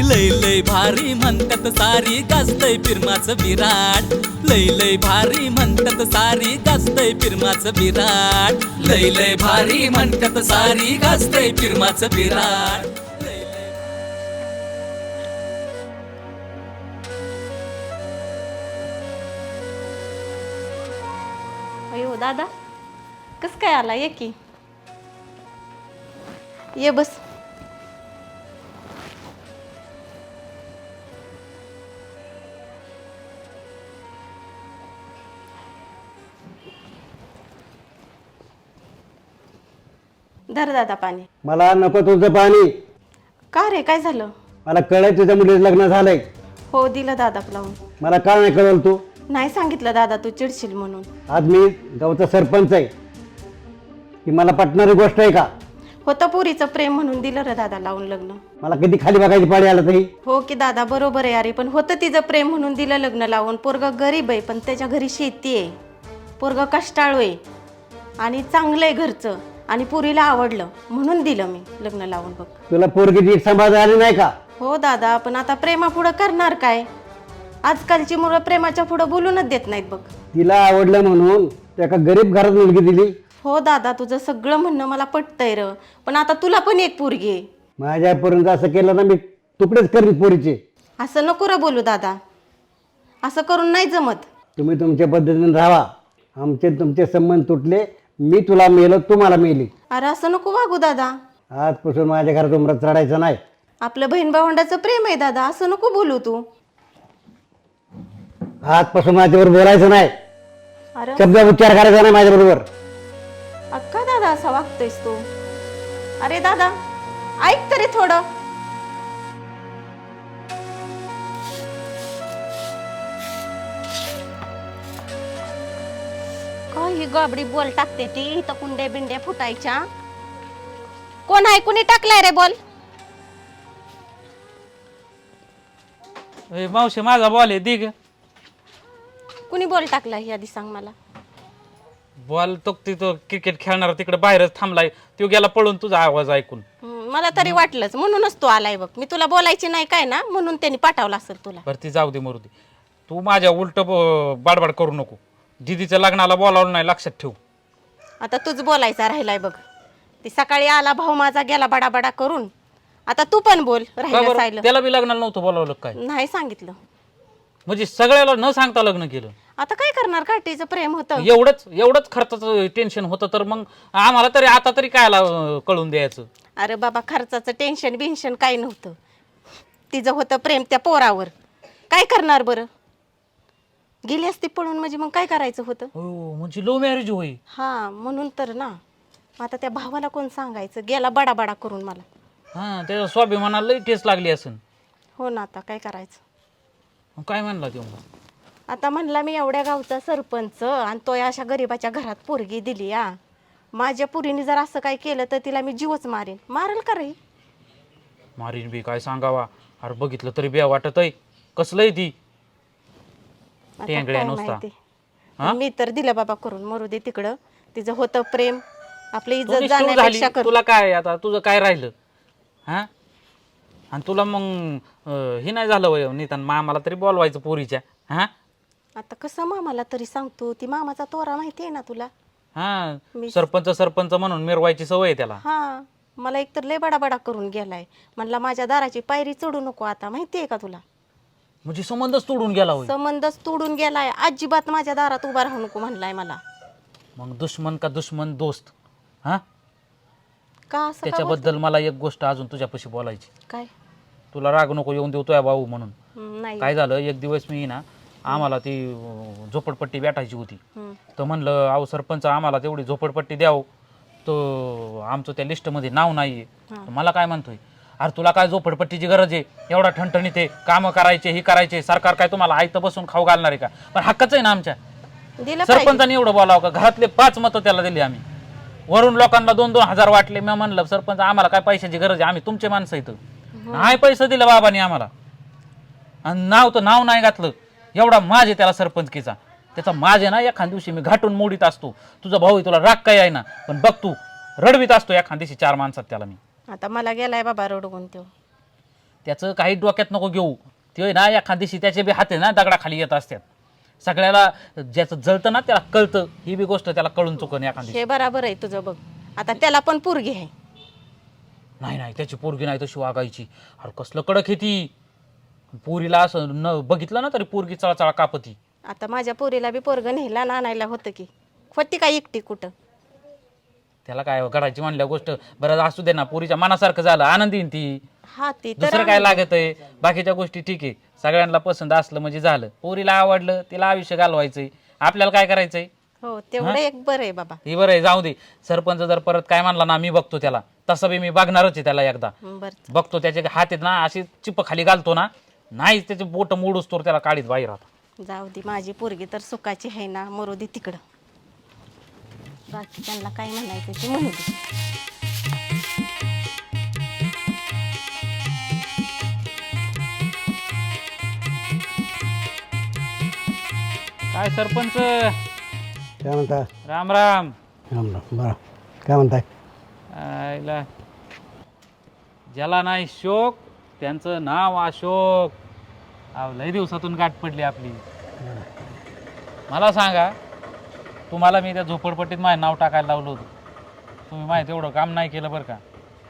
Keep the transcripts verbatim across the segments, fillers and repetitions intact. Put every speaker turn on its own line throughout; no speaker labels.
लय लय भारी म्हणतात सारी गाजतय फिरमाचं विराट लय लय भारी म्हणतात सारी गाजतय फिरमाचं विराट लय लय भारी म्हणतात सारी गाजतय फिरमाचं विराट
अयो दादा कस काय आला ये की ये बस धर दादा पाणी
मला नको तुझं पाणी.
का रे काय झालं
मला कळलंय तुझ्या मुलीचं लग्न झालंय.
हो दिलं दादा लावून
मला का नाही कळवलं तू?
नाही सांगितलं दादा तू चिडशील म्हणून
आज मी गावचा सरपंच आहे. ही मला पटणारी गोष्ट आहे का?
होतं पुरीचं प्रेम म्हणून दिलं रे दादा लावून लग्न.
मला किती खाली बघायची पाळी आलं तरी.
हो की दादा बरोबर आहे अरे पण होतं तिचं प्रेम म्हणून दिलं लग्न लावून. पोरग गरीब आहे पण त्याच्या घरी शेती आहे. पोरग कष्टाळू आहे आणि चांगलं आहे घरचं आणि पुरीला आवडलं म्हणून दिलं मी लग्न लावून. बघ
तुला पोरगी नीट सांभाळता आली नाही का?
हो दादा पण आता प्रेमापुढं करणार काय? आजकालची मुलं प्रेमाच्या पुढं बोलूनच देत नाहीत बघ.
तिला आवडलं म्हणून एका गरीब घरात मुलगी दिली.
हो दादा तुझं सगळं म्हणणं मला पटतंय र पण आता तुला पण एक पोरगी आहे.
माझ्यापर्यंत असं केलं ना मी तुकडेच करीन पोरीचे.
असं नको र बोलू दादा. असं करून नाही जमत.
तुम्ही तुमच्या पद्धतीने राहा. आमचे तुमचे संबंध तुटले. मी तुला मेलो तू मला मेली.
अरे असं नको वागू दादा.
आजपासून माझ्या घरात उमरात चढायचं नाही.
आपलं बहीण भावंडाचं प्रेम आहे दादा. असं नको बोलू तू.
आजपासून माझ्याबरोबर बोलायचं नाही.
अरे
शब्द उच्चार करायचा नाही माझ्याबरोबर.
अक्का दादा असा वागतोयस तू. अरे दादा ऐक तरी थोडं. काही गाबडी बोल टाकते ती इथं कुंडे बिंडे फुटायच्या. कोण आहे कुणी टाकलाय रे बोल?
ए मावशी माझा बॉल आहे दिग.
कुणी बोल टाकलाय आधी सांग मला.
बॉल तो तिथं क्रिकेट खेळणार तिकडे बाहेरच थांबलाय. तो गेला पळून तुझा आवाज ऐकून.
हम्म, मला तरी वाटलंच म्हणूनच तू आलाय बघ. मी तुला बोलायची नाही काय ना म्हणून त्यांनी पाठवलं असेल तुला.
बरं ती जाऊ दे मरू दे. तू माझ्या उलट बाडबाड करू नको. दीदीच्या लग्नाला बोलावलं नाही लक्षात ठेव.
आता तूच बोलायचा राहिलाय बघ. ती सकाळी आला भाऊ माझा गेला बडाबडा करून. आता तू पण बोल.
का
राहिलं
बरं?
सायलं
त्याला बी लग्नाला नव्हतं बोलावलं काय?
नाही सांगितलं.
म्हणजे सगळ्याला न सांगता लग्न केलं.
आता काय करणार? काठीचं प्रेम होतं.
एवढंच एवढंच खर्चाचं टेन्शन होतं तर मग आम्हाला तरी आता तरी काय कळून द्यायचं.
अरे बाबा खर्चाचं टेन्शन बिन्शन काही नव्हतं. तिचं होतं प्रेम त्या पोरावर. काय करणार बरं? गेली असती पळून म्हणजे मग काय करायचं होतं?
हो म्हणजे लो मॅरेज होई.
हा म्हणून तर ना. आता त्या भावाला कोण सांगायचं? गेला बडाबडा करून मला.
हा त्याच्या स्वाभिमानाला लई ठेस लागली असेल.
हो ना आता काय करायचं?
मग काय म्हणला तेव्हा?
आता म्हणला मी एवढ्या गावचा सरपंच आणि तो अशा गरीबाच्या घरात पोरगी दिली या. माझ्या पुरीने जर असं काय केलं तर तिला मी जीवच मारेन. मारेल का रे?
मारीन बी काय सांगावा. अरे बघितलं तरी बी वाटत आहे. कसलंय ती
आता
टेंगड्या
काय
नुसता.
माहिती. मी तर दिलं बाबा करून. मरू दे तिकडं. तिचं होतं प्रेम. आपली
तू
इज्जत
निष्ठुर झाली.
जाण्यापेक्षा कर.
तुला काय आता तुझं काय राहिलं हा? आणि तुला मग अं, हे नाही झालं वय निदान मामाला तरी बोलवायचं पोरीच्या. हा
आता कसं मामाला तरी सांगतो? ती मामाचा तोरा माहिती आहे ना तुला.
हा
मी-
सरपंच सरपंच म्हणून मिरवायची सवय आहे त्याला.
हा मला एकतर लय बडाबडा करून गेलाय. म्हणला माझ्या दाराची पायरी चढू नको आता. माहिती आहे का तुला?
म्हणजे संबंधच तोडून गेला होय.
संबंधच तोडून गेलाय. अजिबात माझ्या दारात उभा राहू नको म्हणलाय मला.
मग दुश्मन का दुश्मन दोस्त हा?
का असं का
त्याच्याबद्दल मला एक गोष्ट अजून तुझ्यापाशी बोलायची.
बोलतो? काय?
तुला राग नको येऊन देऊ तुझ्या भाऊ म्हणून.
हम्म, नाही.
काय झालं एक दिवस मी ना आम्हाला ती अं, झोपडपट्टी भेटायची होती.
हम्म.
तर म्हणलं अहो सरपंच आम्हाला तेवढी झोपडपट्टी द्याव. तो आमचं त्या लिस्टमध्ये नाव नाही आहे. मला काय म्हणतोय अरे तुला काय झोपडपट्टीची गरज आहे? एवढा ठणठणीत आहे. कामं करायचे ही करायचे. सरकार काय तुम्हाला आयतं बसून खाऊ घालणार आहे का? पण हक्कच आहे ना आमच्या.
दिलं पाहिजे.
सरपंचाने एवढं बोलावं का? घरातले पाच मतं त्याला दिली आम्ही. वरून लोकांना दोन दोन हजार वाटले. मी म्हणलं सरपंच आम्हाला काय पैशाची गरज आहे? आम्ही तुमचे माणसं इथं. नाही पैसे दिलं बाबांनी आम्हाला. आणि नाव तर नाव नाही घातलं. एवढा माज आहे त्याला सरपंचकीचा. त्याचा माज आहे ना एखाद दिवशी मी घाटून मोडीत असतो. तुझा भाऊ तुला राग काय आहे ना पण बघ तू रडवीत असतो एखाद दिवशी चार माणसात त्याला मी.
आता मला गेलाय बाबा रडवून तो.
त्याचं काही डोक्यात नको घेऊ. ते ना एखाद दिवशी त्याचे बी हाते ना दगडाखाली येत असतात. सगळ्याला ज्याचं जळतं ना त्याला कळतं, ही बी गोष्ट त्याला कळून चुकन एखाद दिवशी.
हे बराबर आहे तुझं बघ. आता त्याला पण पोरगी आहे.
नाही नाही त्याची पोरगी नाही तशी वागायची. अरे कसलं कडक आहे ती. पोरीला असं न बघितलं ना तरी पोरगी चळाचळा कापती.
आता माझ्या पोरीला बी पोरगं न्यायला ना आणायला होतं की होती काय एकटी कुठं.
त्याला काय घडायची म्हणल्या गोष्ट बरं असू दे ना, पोरीच्या मनासारखं झालं आनंदीन ती.
हा ती तर
दुसरं काय लागत आहे, बाकीच्या गोष्टी ठीक आहे. सगळ्यांना पसंत असलं म्हणजे झालं. पोरीला आवडलं तिला आयुष्य घालवायचंय, आपल्याला काय करायचंय.
हो तेवढं एक बरं आहे बाबा.
हे बरं आहे, जाऊ दे. सरपंच जर परत काय म्हणला ना मी बघतो त्याला, तसं बी मी बघणारच आहे त्याला. एकदा
बरं
बघतो त्याचे हात आहेत ना अशी चिप खाली घालतो ना, नाही त्याचे बोट मोडूस तर त्याला काढीत बाहेर आता.
जाऊ दे, माझी पोरगी तर सुखाची आहे ना, मरू दे तिकडं. बाकीच्यांना काय म्हणायचं ते म्हणू दे.
काय सरपंच,
काय म्हणता?
राम राम.
राम राम. बरं काय म्हणताय?
आयला ज्याला नाही शोक त्यांचं नाव अशोक. अहो लय दिवसातून गाठ पडली आपली. मला सांगा, तुम्हाला मी त्या झोपडपट्टीत माझं नाव टाकायला लावलं होतं, तुम्ही माहिती एवढं काम नाही केलं बरं का.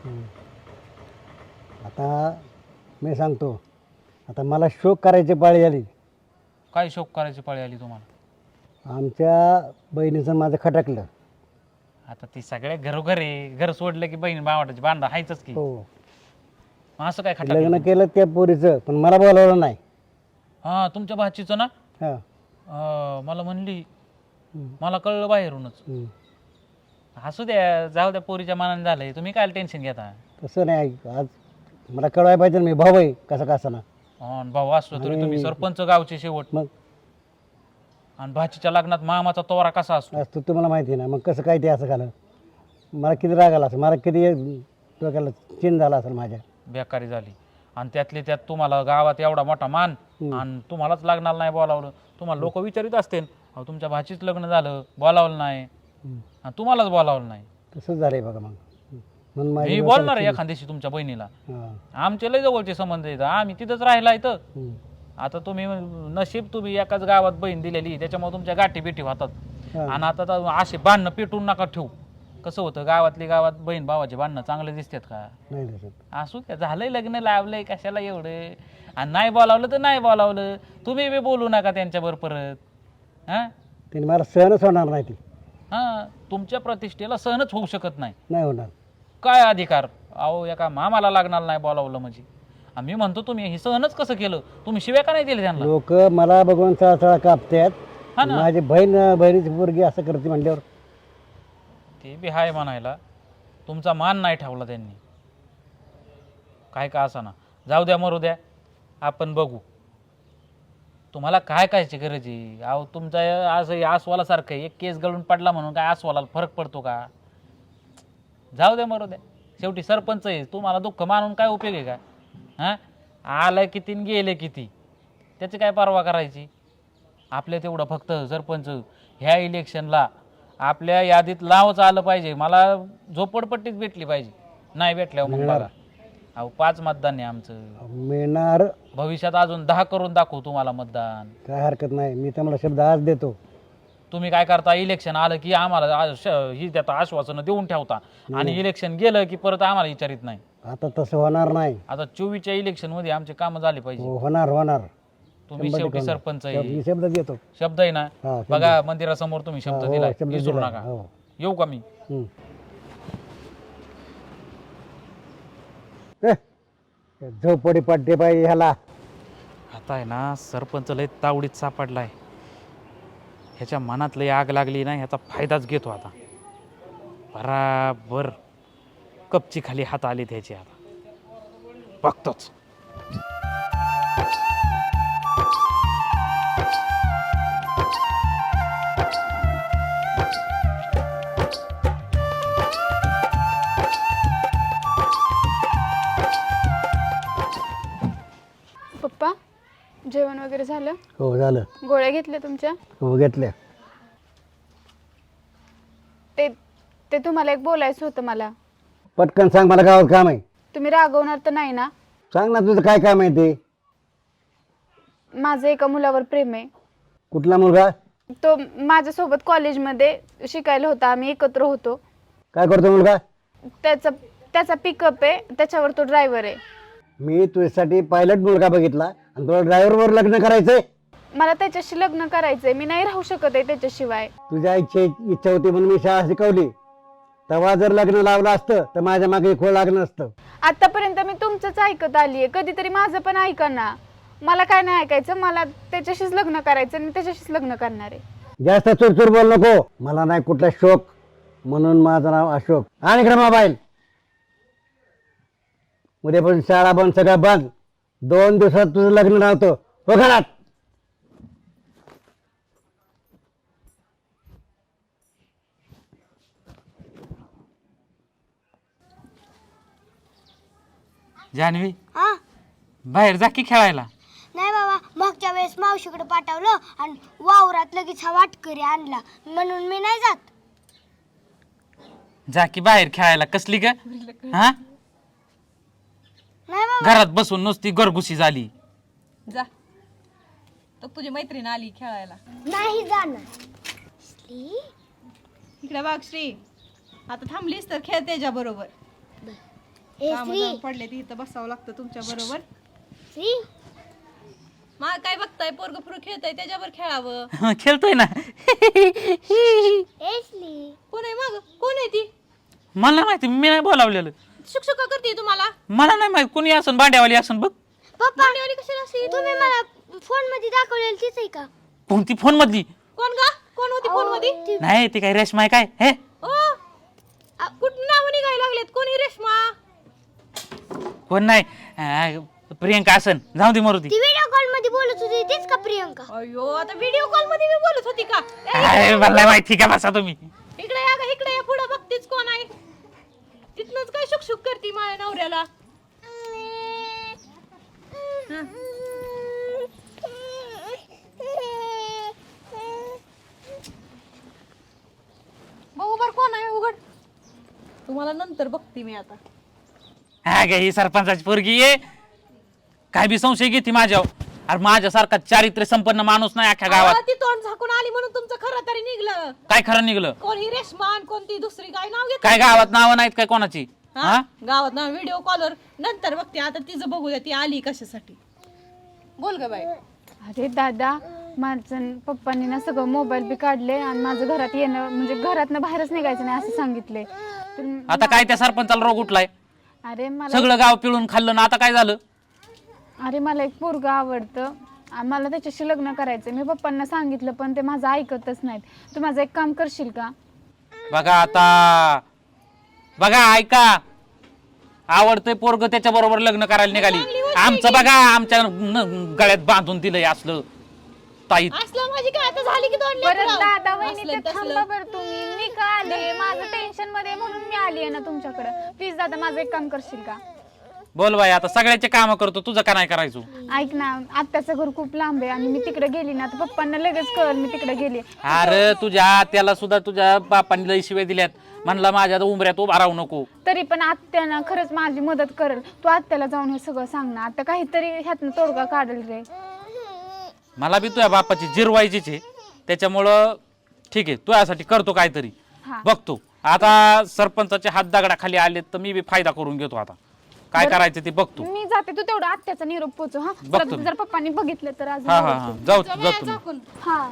आता मी सांगतो, आता मला शोक करायची पाळी आली.
काय शोक करायची पाळी आली तुम्हाला?
आमच्या बहिणीचं माझं खटकलं.
आता ती सगळ्या घरोघर आहे, घर सोडलं की बहीण भावाची भांडण हायच की.
हो,
मग असं काय खटकलं?
लग्न केलं त्या पोरीचं, पण मला बोलावलं नाही.
हां तुमच्या भाचीचं ना.
हां.
अं, मला म्हणली, मला कळलं बाहेरूनच.
हं.
असू द्या, जाऊ द्या, पोरीच्या मनाने झालंय, तुम्ही काय टेन्शन घेता.
तसं नाही, आज मला कळवायला पाहिजे ना, मी भाऊ आहे कसं कसं ना.
अन भाऊ असलो तरी तुम्ही सरपंच गावचे शेवट.
मग
आणि भाचीच्या लग्नात मामाचा तोरा कसा असतो.
आज तू तुम्हाला माहिती आहे ना, मग कसं काय ते असं झालं. मला किती राग आला असेल, मला किती डोक्याला चिन झाला असेल माझ्या.
बेकारी झाली. आणि त्यातले त्यात तुम्हाला गावात एवढा मोठा मान, आणि तुम्हालाच लग्नाला नाही बोलावलं. तुम्हाला लोक विचारित असतील, अहो तुमच्या भाचीच लग्न झालं, बोलावलं नाही, आणि तुम्हालाच बोलावलं नाही.
तसंच झालंय बघा. मग म्हणून
मी
माझी
बोलणार आहे एखाद दिवशी तुमच्या बहिणीला.
हां.
आमचे लय जवळचे संबंध आहेत, आम्ही तिथंच राहिला इथं.
हं.
आता तुम्ही नशीब तुम्ही एकाच गावात बहीण दिलेली, त्याच्यामुळे तुमच्या गाठी बिठी होतात.
हां.
आणि आता तर असे बांधणं पेटून नका ठेवू. कसं होतं, गावातली गावात बहीण भावाचे बांधणं चांगले दिसतात का?
नाही दिसत.
असू त्या, झालंय लग्न, लावलंय, कशाला एवढं. आणि नाही बोलावलं तर नाही बोलावलं, तुम्ही बी बोलू नका त्यांच्यावर परत. हां
तिने मला सहनच होणार नाही. ती
हां तुमच्या प्रतिष्ठेला सहनच होऊ शकत नाही.
नाही होणार.
काय अधिकार, अहो एका मामाला लागणार नाही बोलावलं म्हणजे. आणि मी म्हणतो तुम्ही हे सहनच कसं केलं, तुम्ही शिव्या का नाही दिले त्यांना?
लोक मला बघून चळचळा कापतात.
हा ना.
माझी बहीण बहिणीची पोरगी असं करते म्हणल्यावर
ते बी हाय म्हणायला, तुमचा मान नाही ठेवला त्यांनी. काय का असा ना, जाऊ द्या, मरू द्या, आपण बघू. तुम्हाला काय कायची गरज आहे? अहो तुमचा असं आसवालासारखं आहे, एक केस गळून पडला म्हणून काय आसवाला फरक पडतो का? जाऊ द्या, मरू द्या, शेवटी सरपंच आहे. तुम्हाला दुःख मानून काय उपयोग आहे का? हां आलं किती न गेले किती, त्याची काय परवा करायची. आपल्या तेवढं फक्त सरपंच ह्या इलेक्शनला आपल्या यादीत नावच आलं पाहिजे. मला झोपडपट्टीच भेटली पाहिजे. नाही भेटल्यावर मग बघा. अहो पाच मतदान आहे आमचं.
मिळणार.
भविष्यात अजून दहा करून दाखवू तुम्हाला मतदान.
काय हरकत नाही, मी तुम्हाला शब्द आज देतो.
तुम्ही काय करता, इलेक्शन आलं की आम्हाला आ- श- ही देता आश्वासनं देऊन ठेवता, आणि इलेक्शन गेलं की परत आम्हाला विचारित नाही.
आता तसं होणार नाही.
आता चोवीसच्या इलेक्शन मध्ये आमचे कामं झाले पाहिजे.
हो, होणार होणार.
तुम्ही
शंभर
शेवटी
टक्के होणार.
सरपंच
शब्द-
आहे,
मी शब्द देतो.
शब्द आहे ना.
हा, शब्द.
बघा मंदिरासमोर तुम्ही
हा,
शब्द
हो,
दिलाय,
शब्द
विसरू
दिलाय.
नका.
हो.
येऊ का मी?
हं. ए, झोपडी पडते बाई ह्याला.
आता आहे ना, सरपंच लय तावडीत सापडलाय. ह्याच्या मनात लय आग लागली ना, ह्याचा फायदाच घेतो आता. बराबर कपची खाली हात आले त्याचे. आता बघतोच.
पप्पा, जेवण वगैरे झालं?
हो झालं.
गोळ्या घेतल्या तुमच्या?
हो घेतल्या.
ते ते तुम्हाला एक बोलायचं होतं मला.
पटकन सांग, मला गावात काम आहे.
तुम्ही रागवणार तर नाही ना?
सांग ना तुझं काय काम आहे ते.
माझं एका मुलावर प्रेम आहे.
कुठला मुलगा?
तो माझ्यासोबत कॉलेजमध्ये शिकायला होता, आम्ही एकत्र होतो.
काय करतो मुलगा?
त्याचा त्याचा पिकअप आहे, त्याच्यावर तो ड्रायव्हर आहे.
मी तुझ्यासाठी पायलट मुलगा बघितला आणि तुला ड्रायव्हरवर लग्न करायचंय.
मला त्याच्याशी लग्न करायचंय, मी नाही राहू शकत आहे त्याच्याशिवाय.
तुझ्या इच्छे इच्छा होती म्हणून मी शाळा शिकवली. तेव्हा जर लग्न लावलं असतं तर माझ्या मागे खोळ लागलं असतं.
आतापर्यंत मी तुमचंच ऐकत आलीये, कधीतरी माझं पण ऐका ना. मला काय नाही ऐकायचं, मला त्याच्याशीच लग्न करायचं आणि त्याच्याशीच लग्न करणार आहे.
जास्त चुरचुर बोल नको. मला नाही कुठला शोक, म्हणून माझं नाव अशोक. आणि इकडे मोबाईल. उद्यापासून शाळा बंद, सगळं बंद. दोन दिवसात तुझं लग्न लावतो. हो घरात.
जान्हवी
हा
बाहेर जा की खेळायला.
नाही बाबा, मागच्या वेळेस मावशीकडे पाठवलं आणि वावरात लगेच हा वाटकरी आणला म्हणून मी नाही जात.
जा की बाहेर खेळायला. कसली ग हा?
नाही बाबा.
घरात बसून नुसती गरगुशी झाली.
जा तर तुझी मैत्रीण आली खेळायला.
नाही जाणार. श्री,
इकडे बघ श्री, आता थांबलीस तर खेळ त्याच्या बरोबर.
ए
काम
श्री,
पडले ती इथं बसावं लागतं तुमच्या बरोबर.
श्री,
मा काय बघताय, पोरग फुरू खेळताय, त्याच्यावर खेळावं.
खेळतोय ना.
ए श्री.
कोण आहे मग, कोण आहे ती?
मला नाही माहिती, मी नाही बोलावलेलं.
शिक्षक का करते तुम्हाला?
मला नाही माहिती कोणी असन, भांड्यावाली असन बघ.
पप्पा,
भांडीवाली कशाला असेल?
तुम्ही मला फोन मध्ये दाखवलेली तीच आहे का?
कोणती फोन मधली?
कोण गा, कोण होती फोन मध्ये?
ती-
नाही ती काय रेशमा आहे काय? हे
ओ कुठं नाव निघायला लागलेत, कोणी रेश्मा?
कोण नाही. अं, प्रियंका असन, जाऊ दे मरू ती.
ती व्हिडिओ कॉल मध्ये बोलत होती तीच का प्रियंका?
अयो आता व्हिडिओ कॉल मध्ये मी बोलत होती का? ए,
अरे, मला नाही माहिती का, बसा तुम्ही.
इकडे या ग, इकडे या, पुढे बघतीच कोण आहे. तिथनच काय शुकशुक करती माझ्या नवऱ्याला. बघू बर कोण आहे, उघड. तुम्हाला नंतर बघते मी आता.
हा गे, ही सरपंचाची पोरगी आहे. काय बी संशय घेते माझ्यावर. अरे माझ्यासारखा चारित्र्य संपन्न माणूस नाही अख्ख्या गावात.
अहो, ती तोंड झाकून आली म्हणून तुमचं खरं तरी निघलं.
काय खरं निघलं?
कोण ही रेशमान, कोणती दुसरी काय नाव घेत?
काय गावात नावं नाहीत काय कोणाची? हा
गावात ना व्हिडिओ कॉलवर नंतर बघते. आता तिचं बघूया ती आली कशासाठी. बोल ग बाई.
अरे दादा, माझं पप्पांनी ना सगळं मोबाईल बी काढले आणि माझं घरात येणं म्हणजे घरातनं बाहेरच निघायचं नाही असं सांगितले. तर-
आता काय त्या सरपंचाला रोग उठलाय?
अरे मला
सगळं गाव पिळून खाल्लं ना, आता काय झालं?
अरे मला एक पोरगा आवडतं आणि मला त्याच्याशी लग्न करायचं. मी पप्पांना सांगितलं पण ते माझं ऐकतच नाहीत. तू माझं एक काम करशील का?
बघा आता, बघा ऐका, आवडतंय पोरग त्याच्या बरोबर लग्न करायला निघाली. आमचं बघा, आमच्या न- गळ्यात बांधून दिलंय असलं ताई.
असलं माझी काय आता झाली की दोन
परत
लेकरं.
दादा वहिनी
असलं
ते
तसलं.
थांबा बरं तुम्ही. मी का आले, माझं टेन्शन मध्ये म्हणून मी आली आहे ना तुमच्याकडे. प्लीज दादा माझं एक काम करशील का?
बोल बाई, आता सगळ्याचे काम करतो, तुझं का नाही करायचो?
ऐक ना, आत्याचं घर खूप लांब आहे आणि मी तिकडे गेली ना तर पप्पांना लगेच कळलं मी तिकडे गेली.
अरे तुझ्या त्याला सुद्धा तुझ्या बापांनी लई शिवाय दिल्यात. म्हणला माझ्या उंबऱ्यात उभा राहू नको.
तरी पण आत्या ना खरंच माझी मदत करेल. तू आत्याला जाऊन हे सगळं सांग ना. आता काहीतरी ह्यातनं तोडगा काढेल रे.
मला बी तुझ्या बापाची जिरवायचीच आहे, त्याच्यामुळं ठीक आहे, तुझ्यासाठी करतो काहीतरी.
हा.
बघतो आता सरपंचाचे हात दगडाखाली आले तर मी बी फायदा करून घेतो. आता काय करायचं ते बघतो.
मी जाते, तू तेवढा आत्याचा निरोप पोचव. हा
बघतो
जर
मी.
जर पप्पांनी बघितलं तर आज
हा हा हा जाऊ जातो मी.
झाकून.
हा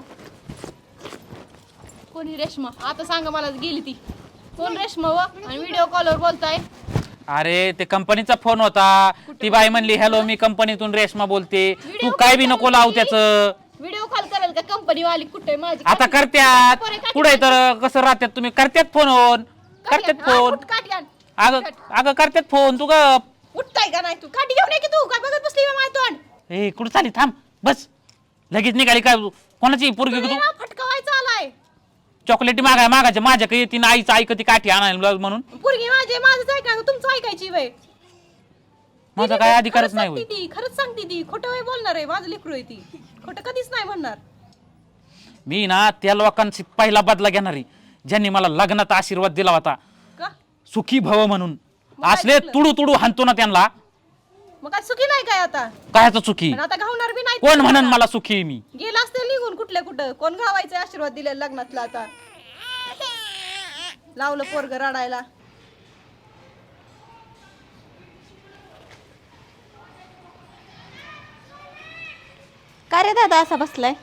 कोणी रेश्मा? आता सांगा मला, गेली ती कोण रेश्मा व आणि व्हिडिओ कॉलवर बोलताय?
अरे ते कंपनीचा फोन होता. ती बाई म्हणली हॅलो मी कंपनीतून रेशमा बोलते, तू काय बी नको लावू त्याचं.
व्हिडिओ कॉल करेल का कंपनी वाली? कुठे माझी
आता करत्यात पुढे तर कसं राहत्यात तुम्ही, करत्यात फोन करत्यात फोन.
काट्यान
अगं अगं करत्यात फोन. तू ग
उठताय का नाही? तू काठी घेऊन ये की, तू काय बघत बसली बा माझं तोंड?
ए कुठं चाली, थांब बस. लगेच निघाली काय? कोणाची पोरगी ग
तुम्ही
तू?
ना फटकावायचा आलाय.
चॉकलेटी मागाय मागायच्या माझ्याकडे येते ना, आईचं ऐकती काठी आणायला म्हणून.
पोरगी माझे माझंच ऐका, तुमचं ऐकायची वय.
माझा काय अधिकारच नाही होय.
ती खरंच सांगते, ती खोटं वय बोलणार आहे. माझं लेकरू आहे, ती खोटं कधीच नाही म्हणणार.
मी ना त्या लोकांची पहिला बदला घेणारी ज्यांनी मला लग्नात आशीर्वाद दिला होता,
का?
सुखी भव म्हणून.
मला
असले
ऐकलं.
तुडू तुडू हाणतो ना त्यांना.
मग काय सुखी नाही काय आता?
कायचं चुकी
पण आता घावणार बी नाही.
कोण म्हणन मला सुखी आहे मी?
गेला असते निघून कुठल्या कुठं. कोण घावायचं आशीर्वाद दिले लग्नातला आता? लावलं पोरग रडायला.
का रे दादा असा बसलाय?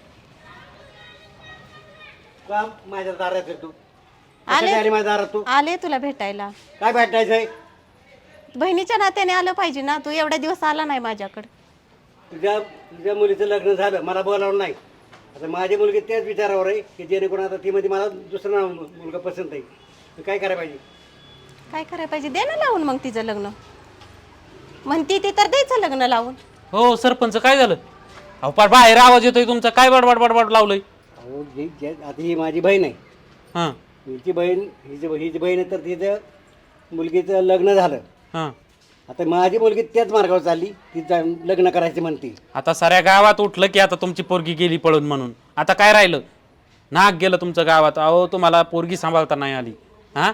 का माझ्या दारात येतो?
आले?
कशासाठी आली माझ्या दारात तू?
आले तुला भेटायला.
काय भेटायचंय?
बहिणीच्या नात्याने आलं पाहिजे ना. तू एवढ्या दिवस आला नाही माझ्याकडे.
तुझ्या तुझ्या मुलीचं लग्न झालं, मला बोलावलं नाही. आता माझी मुलगी त्याच विचारावर आहे की जेणेकरून आता ती मध्ये मला दुसरा मुलगा पसंत आहे. तर काय करायला पाहिजे?
काय करायला पाहिजे? दे ना लावून मग तिचं लग्न. म्हणती ती तर द्यायचं लग्न लावून.
हो सरपंच काय झालं? अहो पार बाहेर आवाज येतोय तुमचा. काय बडबड बडबड लावलंय?
अहो जी जे- आता ही माझी बहीण आहे.
हां
हिची बहीण हिची हिची बहीण आहे तर तिचं मुलगीचं लग्न झालं.
हां
आता माझी मुलगी त्याच मार्गावर चालली, तिचं लग्न करायचं म्हणते.
आता साऱ्या गावात उठलं की आता तुमची पोरगी गेली पळून म्हणून. आता काय राहिलं? नाक गेलं तुमचं गावात. अहो तुम्हाला पोरगी सांभाळता नाही आली. हां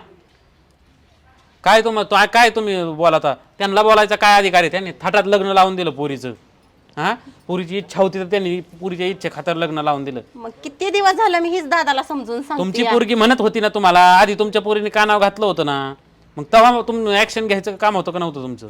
काय तुम तो- काय तुम्ही बोलाता? त्यांना बोलायचा काय अधिकार आहे? त्यांनी थाटात लग्न लावून दिलं पोरीचं. हां पोरीची इच्छा होती तर त्यांनी पोरीच्या इच्छे खातर लग्न लावून दिलं.
मग किती दिवस झालं मी हीच दादाला समजून
तुमची
सांगते.
पोरगी म्हणत होती ना तुम्हाला आधी, तुमच्या पोरीने कानाव घातलं होतं ना. मग तेव्हा तुम्ही ऍक्शन घ्यायचं काम होतं का नव्हतं तुमचं?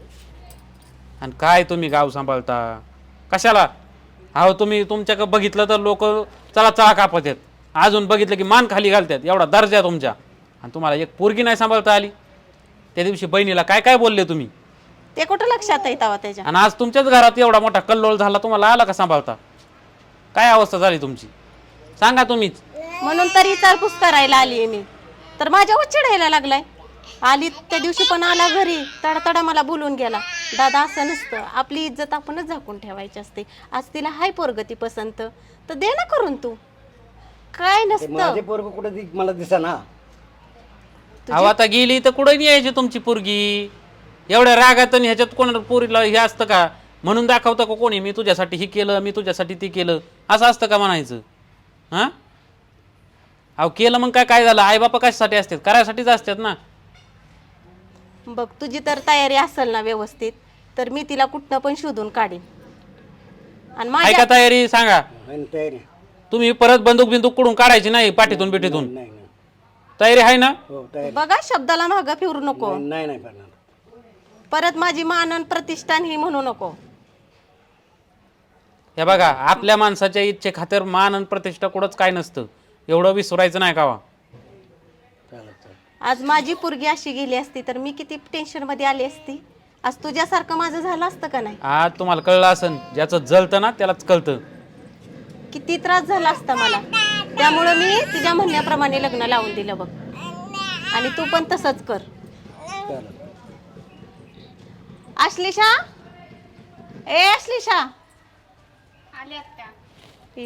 आणि काय तुम्ही गाव सांभाळता कशाला? अहो तुम्ही तुमच्याकडे बघितलं तर लोक चला चला कापत आहेत. अजून बघितलं की मान खाली घालतात. एवढा दर्जा तुमच्या. आणि तुम्हाला एक पोरगी नाही सांभाळता आली. त्या दिवशी बहिणीला काय काय बोलले तुम्ही?
ते कुठं लक्षात आहे तेव्हा त्याच्या?
आणि आज तुमच्याच घरात एवढा मोठा कल्लोळ झाला, तुम्हाला आला का सांभाळता? काय अवस्था झाली तुमची सांगा तुम्हीच.
म्हणून तर विचारपूस करायला आली मी. तर माझ्यावर चिडायला लागलाय. आली त्या दिवशी पण आला घरी तडातडा मला बोलून गेला. दादा असं नसतं, आपली इज्जत आपणच झाकून ठेवायची असते. आज तिला हाय पोरगती पसंत तर दे ना करून. तू काय
ते
नसतं.
माझे पोरग कुठे दि- मला दिसेना.
अहो आता गेली तर कुठं नाही यायची तुमची पोरगी? एवढ्या रागात आणि ह्याच्यात कोण पोरीला हे असतं का? म्हणून दाखवतं का कोणी मी तुझ्यासाठी हे केलं, मी तुझ्यासाठी ते केलं, असं असतं का म्हणायचं? हां अहो केलं मग काय काय झालं? आई बापा कशासाठी असतात? करायसाठीच असतात ना.
बघ तुझी तर तयारी असेल ना व्यवस्थित तर मी तिला कुठनं पण शोधून काढीन. आणि
काय
माझ्या
का तयारी सांगा?
आणि तयारी
तुम्ही परत बंदूक बिंदूक कुठून काढायची नाही पाठीतून बिठीतून.
नाही नाही
तयारी आहे ना?
हो तयारी
बघा शब्दाला मागं फिरू नको.
नाही नाही करणार.
परत माझी मानन प्रतिष्ठान ही म्हणू नको.
हे बघा आपल्या माणसाच्या इच्छे खातर मान आणि प्रतिष्ठा कुठंच काय नसतं. एवढं विसरायचं नाही का?
चालेल चालेल.
आज माझी पोरगी अशी गेली असती तर मी किती टेन्शन मध्ये आली असती. आज तुझ्यासारखं माझं झालं असतं का नाही?
आज तुम्हाला कळलं असन, ज्याचं जळतं ना त्यालाच कळतं.
किती त्रास झाला असता मला. त्यामुळं मी तुझ्या म्हणण्याप्रमाणे लग्न लावून दिलं बघ. आणि तू पण तसंच कर.
चालेल.
आश्लेषा, ए आश्लेषा,
आले आत्या.
ये.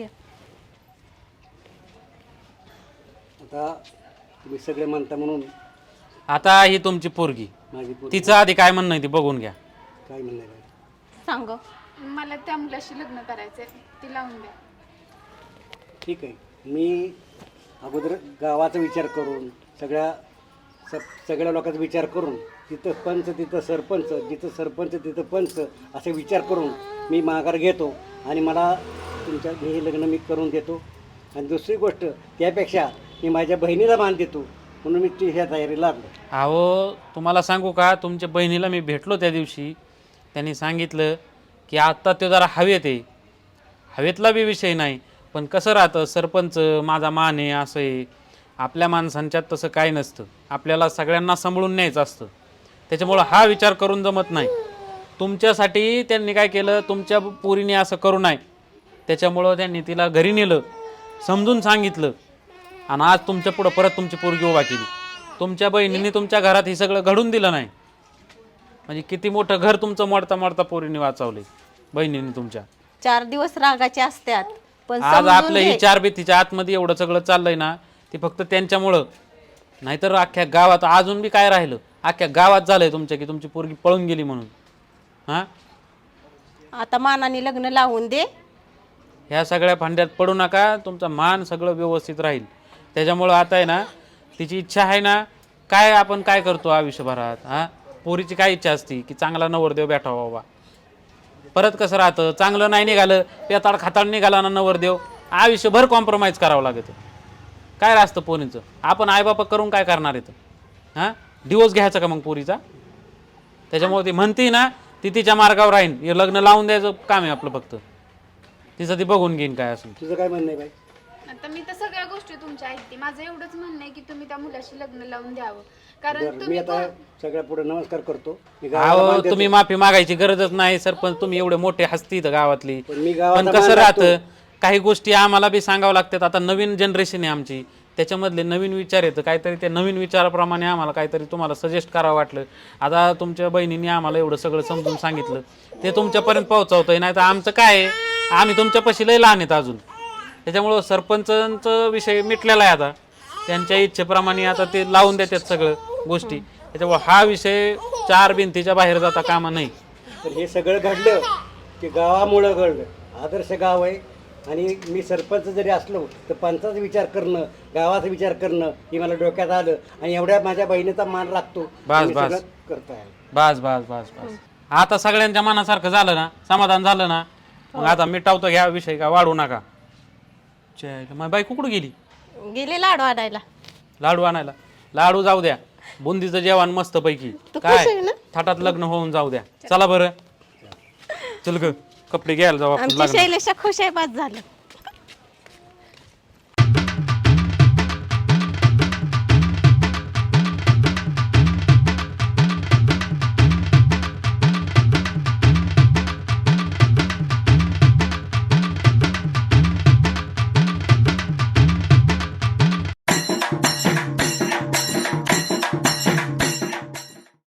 आता तुम्ही सगळे म्हणता म्हणून
आता ही तुमची पोरगी,
माझी पोरगी
तिचं आधी काय म्हणणं आहे ते बघून घ्या.
काय म्हणणार आहे?
सांग.
मला त्या मुलाशी लग्न करायचंय, ती लावून द्या.
ठीक आहे. मी अगोदर गावाचा विचार करून सगळ्या स सगळ्या लोकांचा विचार करून तिथं पंच तिथं सरपंच, जिथं सरपंच तिथं पंच असे विचार करून मी माघार घेतो आणि मला तुमच्या हे लग्न मी करून देतो. आणि दुसरी गोष्ट त्यापेक्षा मी माझ्या बहिणीला मान देतो म्हणून मी ती ह्या तयारीला लागलो.
अहो तुम्हाला सांगू का, तुमच्या बहिणीला मी भेटलो त्या दिवशी, त्यांनी सांगितलं की आत्ता तो जरा हवेत आहे. हवेतला बी विषय नाही, पण कसं राहतं सरपंच माझा मान आहे असं आहे. आपल्या माणसांच्यात तसं काय नसतं. आपल्याला सगळ्यांना सांभाळून न्यायचं असतं. त्याच्यामुळं हा विचार करून जमत नाही. तुमच्यासाठी त्यांनी काय केलं, तुमच्या पोरीने असं करू नये त्याच्यामुळं त्यांनी तिला घरी नेलं, समजून सांगितलं आणि आज तुमच्या पुढं परत तुमची पोरगी उभा केली. तुमच्या बहिणीने तुमच्या घरात हे सगळं घडून दिलं नाही म्हणजे किती मोठं घर तुमचं मोडता मोडता पोरीने वाचवले बहिणीने तुमच्या.
चार दिवस रागाचे असतात पण
आज
समजून
आपलं ही
घे.
चार भीतीच्या आतमध्ये एवढं सगळं चाललंय ना, ते फक्त त्यांच्यामुळं. नाहीतर अख्ख्या गावात अजून बी काय राहिलं, अख्ख्या गावात झालंय तुमच्या की तुमची पोरगी पळून गेली म्हणून. हां
आता मानाने लग्न लावून दे.
ह्या सगळ्या फांद्यात पडू नका. तुमचा मान सगळं व्यवस्थित राहील. त्याच्यामुळं आता आहे ना, तिची इच्छा आहे ना, काय आपण काय करतो आयुष्यभरात. हां पोरीची काय इच्छा असती की चांगला नवरदेव भेटावा बाबा. परत कसं राहतं, चांगलं नाही निघालं, पेताड खाताड निघाला ना नवरदेव, आयुष्यभर कॉम्प्रोमाइज करावं लागतं. काय राहतं पोरींचं, आपण आईबापा करून काय करणार येतं? हां, डिवोर्स घ्यायचा का मग पोरीचा? त्याच्यामुळे ती म्हणती ना, ती तिच्या मार्गावर राहीन, हे लग्न लावून द्यायचं काम आहे आपलं फक्त. तिचं ती बघून घेईन काय असेल.
तुझं काय म्हणणं आहे बाई?
आता मी तर सगळ्या गोष्टी तुमच्या ऐकते. माझं एवढंच म्हणणं आहे की तुम्ही त्या मुलाशी लग्न लावून द्यावं. कारण
बरं, मी
तुम्ही
आता सगळ्या पुढे नमस्कार करतो. मी गावाला
अहो
मान देतो.
तुम्ही माफी मागायची गरजच नाही सरपंच, तुम्ही एवढे मोठे हस्ती इथं गावातली.
पण मी गावाचा
पण कसं
मान
राहतं,
राखतो.
काही गोष्टी आम्हाला बी सांगावं लागतात. आता नवीन जनरेशन आहे आमची, त्याच्यामधले नवीन विचार येतं, काहीतरी त्या नवीन विचाराप्रमाणे आम्हाला काहीतरी तुम्हाला सजेस्ट करावं वाटलं. आता तुमच्या बहिणींनी आम्हाला एवढं सगळं समजून सांगितलं, ते तुमच्यापर्यंत पोहोचवतंय. नाही तर आमचं काय आहे, आम्ही तुमच्यापाशी लय लहान आहेत अजून. त्याच्यामुळं सरपंचांचा विषय मिटलेला आहे आता, त्यांच्या इच्छेप्रमाणे आता ते लावून देतात सगळं गोष्टी. त्याच्यामुळे हा विषय चार भिंतीच्या बाहेर जाता कामा नाही.
तर हे सगळं घडलं ते गावामुळं घडलं. आदर्श गाव आहे आणि मी सरपंच जरी असलो तर पंचाचा विचार करणं, गावाचा विचार करणं हे मला डोक्यात आलं आणि एवढ्या माझ्या बहिणीचा मान राखतो.
बस
मी
बस
सगळं करतो आहे.
बस बस बस बस आता सगळ्यांच्या मनासारखं झालं ना, समाधान झालं ना, मग आता मिटावतो घ्या विषय, का वाढू नका. मग बाई कुठं गेली?
गेले लाडू आणायला.
लाडू आणायला? लाडू जाऊ द्या, बुंदीचं जेवण मस्त पैकी काय थाटात लग्न होऊन जाऊ द्या. चला बरं, चल ग कपडे घ्यायला जाऊ आपण
आमची
लग्नात.
शैलेशा खुश आहे, बस झालं.